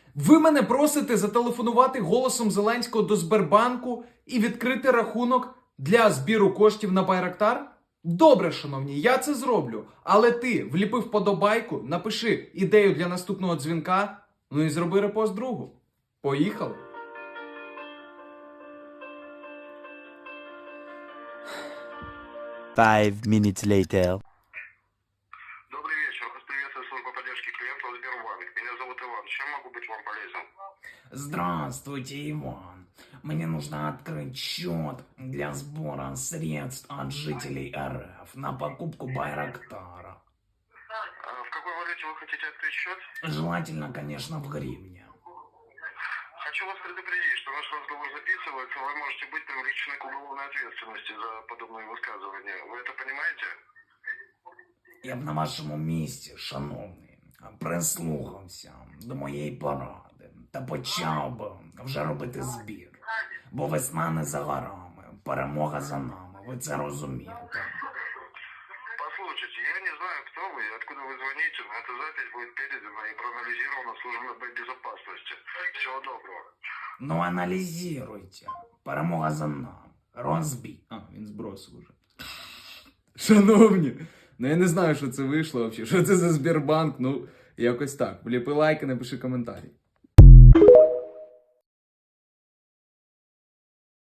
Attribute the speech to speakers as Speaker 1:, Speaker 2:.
Speaker 1: Ви мене просите зателефонувати голосом Зеленського до Сбербанку і відкрити рахунок для збіру коштів на Байрактар? Добре, шановні, я це зроблю. Але ти вліпи вподобайку, напиши ідею для наступного дзвінка, ну і зроби репост другу. Поїхали!
Speaker 2: Five minutes later.
Speaker 3: Добрый вечер. Вас приветствует служба поддержки клиентов Сбербанк. Меня зовут Иван. Чем могу быть вам полезен?
Speaker 4: Здравствуйте, Иван. Мне нужно открыть счет для сбора средств от жителей РФ на покупку Байрактара.
Speaker 3: В какой валюте вы хотите открыть счет?
Speaker 4: Желательно, конечно, в гривне.
Speaker 3: Хочу вас предупредить, что наш разговор записывается, вы можете быть привлечены к уголовной ответственности за подобные высказывания. Вы это понимаете?
Speaker 4: Я б на вашому місці, шановний, прислухався до моєї поради та почав би вже робити збір. Бо весна не за горами, перемога за нами, ви це розумієте.
Speaker 3: Послушайте, я не знаю, кто вы и откуда вы звоните, но эта запись будет передана и проанализирована службой безопасности. Всего доброго.
Speaker 4: Ну аналізуйте, перемога за нами, розбій.
Speaker 1: А, він збросив уже. Шановні, ну я не знаю, що це вийшло взагалі. Що це за Сбербанк? Ну, якось так. Вліпи лайки, напиши коментарі.